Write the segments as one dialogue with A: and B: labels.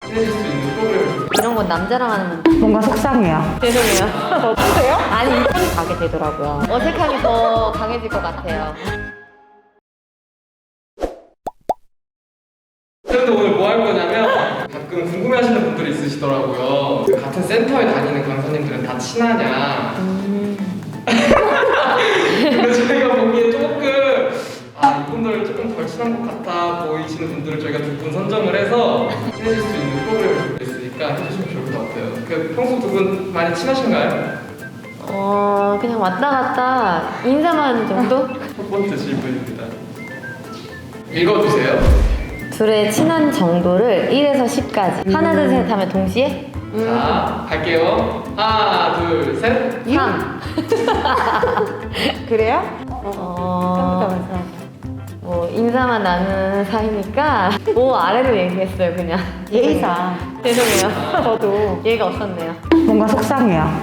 A: 친해질 수 있는 프로그램을
B: 이런 건 남자랑 하면
C: 뭔가 속상해요.
B: 죄송해요.
C: 어떠세요?
B: 아니 이성이 가게 되더라고요. 어색함이 더 강해질 것 같아요.
A: 쌤도 오늘 뭐 할 거냐면 가끔 궁금해하시는 분들이 있으시더라고요. 그 같은 센터에 다니는 강사님들은 다 친하냐. 근데 저희가 보기에 조금 이분들 조금 덜 친한 것 같아 보이시는 분들을 저희가 두 분 선정을 해서 친해질 수 있는 프로그램을 준비했으니까 해주시면 좋을 것 같아요. 그 평소 두 분 많이 친하신가요?
B: 그냥 왔다 갔다 인사만 하는 정도?
A: 첫 번째 질문입니다. 읽어주세요.
B: 둘의 친한 정도를 1에서 10까지 하나 둘 셋 하면 동시에?
A: 자, 갈게요. 하나, 둘, 셋.
B: 3.
C: 그래요?
B: 뭐 인사만 나누는 사이니까 5 아래로 얘기했어요 그냥.
C: 예의상.
B: 죄송해요.
C: 저도
B: 예의가 없었네요.
C: 뭔가 속상해요.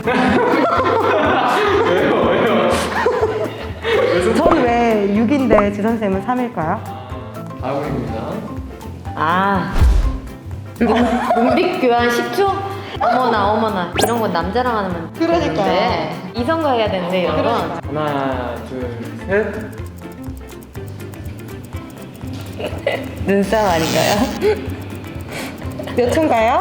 A: 왜요?
C: 저는 왜 6인데 지선쌤은 3일까요?
A: 다음입니다.
B: 눈빛 교환 10초? 어머나 이런 건 남자랑 하면
C: 그러니까요.
B: 되는데 이성과 해야 되는데 이런 건
A: 하나, 둘, 셋.
B: 눈싸움 아닌가요?
C: 몇 초인가요?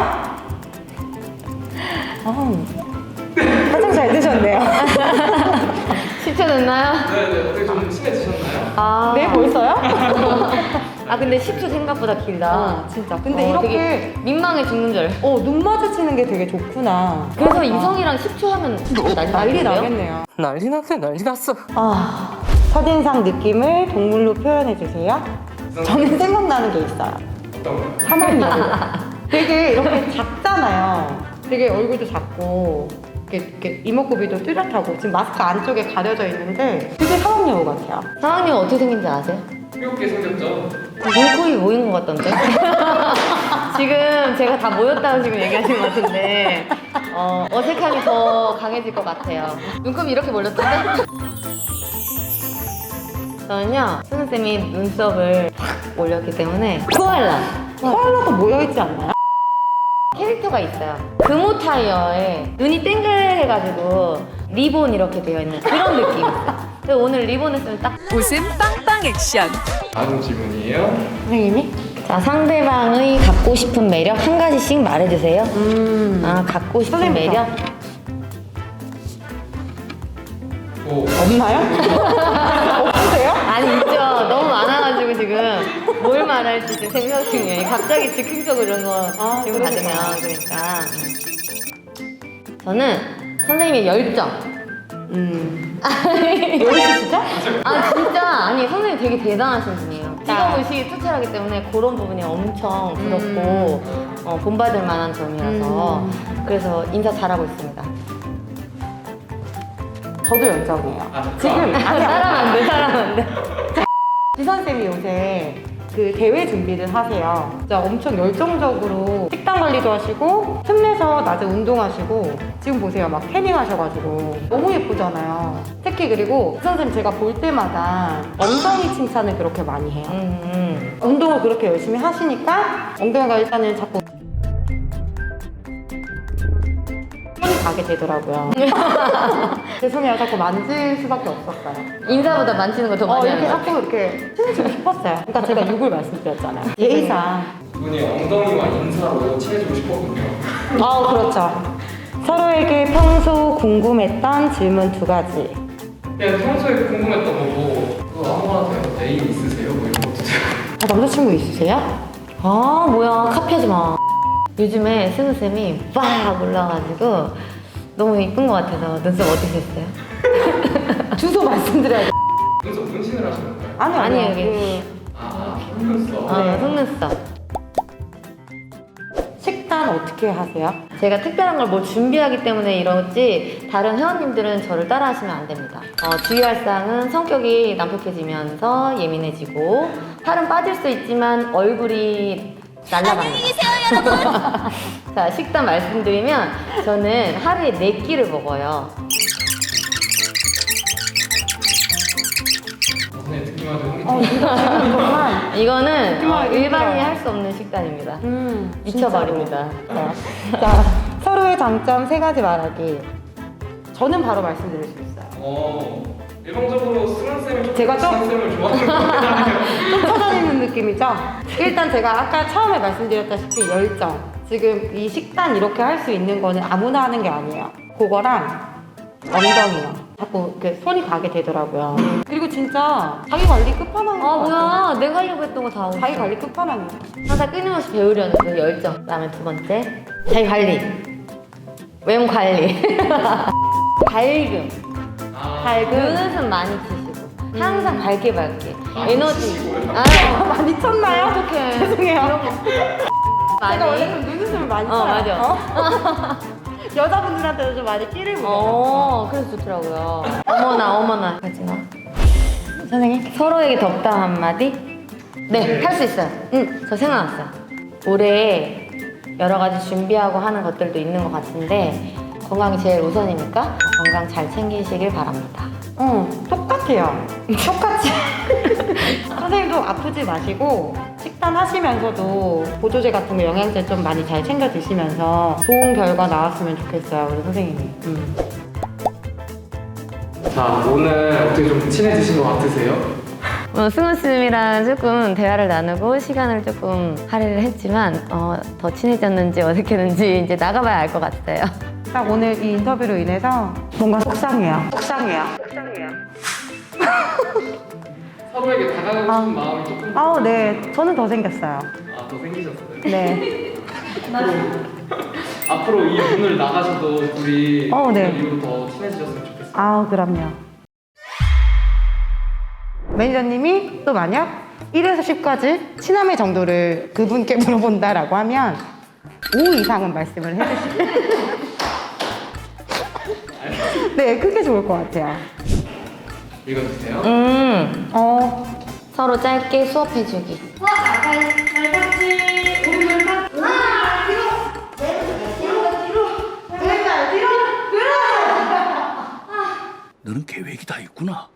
C: 화장 잘 드셨네요.
B: 10초 됐나요?
A: 네네, 어떻게 좀 친해지셨나요?
C: 네, 벌써요?
B: 근데 10초 생각보다 길다.
C: 진짜. 근데 이렇게
B: 되게 민망해 죽는 줄.
C: 눈 마주치는 게 되게 좋구나.
B: 그래서 이성이랑 10초 하면
C: 난리 나겠네요.
A: 난리 났어.
C: 첫인상 느낌을 동물로 표현해 주세요. 저는 생각나는 게 있어요.
A: 어떤 거요?
C: 사막여우. 되게 이렇게 작잖아요. 되게 얼굴도 작고 이렇게 이목구비도 뚜렷하고 지금 마스크 안쪽에 가려져 있는데 되게 사막여우 같아요.
B: 상황님 어떻게 생긴지 아세요?
A: 귀엽게 생겼죠?
B: 눈코입 모인 것 같던데? 지금 제가 다 모였다고 지금 얘기하시는 것 같은데 어색함이 더 강해질 것 같아요. 눈코입이 이렇게 몰렸던데? 저는요 수능쌤이 눈썹을 확 올렸기 때문에
C: 코알라도 모여있지 않나요?
B: 캐릭터가 있어요. 금호 타이어에 눈이 땡글해가지고 리본 이렇게 되어 있는 그런 느낌이 있어요. 근데 오늘 리본 했으면 딱
D: 웃음 빵빵 액션.
A: 다음 질문이에요.
C: 선생님이?
B: 자, 상대방의 갖고 싶은 매력 한 가지씩 말해주세요. 갖고 싶은
C: 선생님부터.
B: 매력?
A: 오.
C: 없나요? 없으세요?
B: 아니 있죠. 너무 많아가지고 지금 뭘 말할지 지금 생각 중이에요. 갑자기 즉흥적으로 이런 거 지금
C: 그러니까.
B: 받으면 그러니까 저는 선생님의 열정.
C: 열시죠?
B: 진짜 아니 선생님 되게 대단하신 분이에요. 직업 의식이 투철하기 때문에 그런 부분이 엄청 부럽고 본받을 만한 점이라서 그래서 인사 잘하고 있습니다.
C: 저도 열정이에요.
A: 지금
B: 사람 안 돼.
C: 지선쌤이 요새 그 대회 준비를 하세요. 진짜 엄청 열정적으로 식단 관리도 하시고 틈내서 낮에 운동하시고 지금 보세요. 막 태닝 하셔가지고 너무 예쁘잖아요. 특히 그리고 지선쌤 제가 볼 때마다 엉덩이 칭찬을 그렇게 많이 해요. 운동을 그렇게 열심히 하시니까 엉덩이가 일단은 자꾸 손이 가게 되더라고요. 죄송해요. 자꾸 만질 수밖에 없었어요.
B: 인사보다 만지는 거 더 많이
C: 이렇게
B: 하는 거.
C: 자꾸 이렇게 친해지고 싶었어요. 그러니까 제가 6을 말씀드렸잖아요. 예의상.
A: 두 분이 엉덩이와 인사로 친해지고 싶었군요.
C: 그렇죠. 서로에게 평소 궁금했던 질문 2가지.
A: 그냥 평소에 궁금했던 거고 그거 아무거나 돼요. 애인 있으세요? 뭐 이런 것도 돼요.
C: 남자친구 있으세요?
B: 뭐야 카피하지 마. 요즘에 스누쌤이 빡 올라가지고 너무 이쁜 것 같아서 눈썹 어떻게 했어요?
C: 주소 말씀드려야 돼.
A: 눈썹 문신을 하시는 건가요?
C: 아니요.
B: 여기
A: 속눈썹.
B: 속눈썹.
C: 식단 어떻게 하세요?
B: 제가 특별한 걸 뭐 준비하기 때문에 이러지 다른 회원님들은 저를 따라 하시면 안 됩니다. 주의할 사항은 성격이 난폭해지면서 예민해지고 살은 빠질 수 있지만 얼굴이 날라갑니다. 자, 식단 말씀드리면 저는 하루에 4끼를 먹어요.
A: 선생님 듣기만 해도
C: 어, 진짜 지금 정말.
B: 이거는
C: 정말
B: 일반인이
C: 힘들어요.
B: 할 수 없는 식단입니다.
C: 진짜로.
B: 미쳐버립니다.
C: 자, 서로의 장점 3가지 말하기. 저는 바로 말씀드릴 수 있어요.
A: 일방적으로 승환쌤이 좀
C: 제가 좀-
A: 승환쌤을 좋아하는 것 같아요.
C: 좀 찾아내는 느낌이죠? 일단 제가 아까 처음에 말씀드렸다시피 열정. 지금 이 식단 이렇게 할 수 있는 거는 아무나 하는 게 아니에요. 그거랑 엉덩이요. 자꾸 이렇게 손이 가게 되더라고요. 그리고 진짜 자기 관리 끝판왕인 것
B: 아
C: 같아요.
B: 뭐야, 내가 하려고 했던 거 다 하고
C: 자기
B: 있어.
C: 관리 끝판왕이에요.
B: 항상 끊임없이 배우려는 그 열정. 그다음에 2번째 자기 관리, 외모 관리, 밝음.
C: 밝음.
B: 눈웃음 많이 치시고 항상 밝게
A: 많이
B: 에너지.
A: 치시고요?
C: 많이 쳤나요?
B: 어떡해.
C: 죄송해요.
B: 많이.
C: 제가 원래 좀 눈웃음을 많이 쳐요.
B: 맞아.
C: 어? 여자분들한테도 좀 많이 끼를 부려요.
B: 그래서 좋더라고요. 어머나 가지마. 선생님 서로에게 덕담 한마디. 네, 할 수 있어요. 저 생각났어요. 올해 여러 가지 준비하고 하는 것들도 있는 것 같은데 건강이 제일 우선이니까 건강 잘 챙기시길 바랍니다.
C: 똑같아요. 똑같이. 선생님도 아프지 마시고 식단 하시면서도 보조제 같은 거 영양제 좀 많이 잘 챙겨 드시면서 좋은 결과 나왔으면 좋겠어요, 우리 선생님이.
A: 자, 오늘 어떻게 좀 친해지신 것 같으세요?
B: 승우 쌤이랑 조금 대화를 나누고 시간을 조금 할애를 했지만 더 친해졌는지 어색했는지 이제 나가봐야 알 것 같아요.
C: 딱 오늘 이 인터뷰로 인해서 뭔가 속상해요.
A: 서로에게 다가가고 싶은 마음이 조금
C: 아우, 네. 저는 더 생겼어요.
A: 더 생기셨어요.
C: 네.
A: 앞으로 이 문을 나가셔도 둘이
C: 네.
A: 오늘 이후로 더 친해지셨으면 좋겠어요.
C: 아우, 그럼요. 매니저님이 또 만약 1에서 10까지 친함의 정도를 그분께 물어본다라고 하면 5 이상은 말씀을 해주시고 네, 그게 좋을 것 같아요.
A: 읽어주세요.
B: 서로 짧게 수업해주기.
E: 너는 계획이 다 있구나.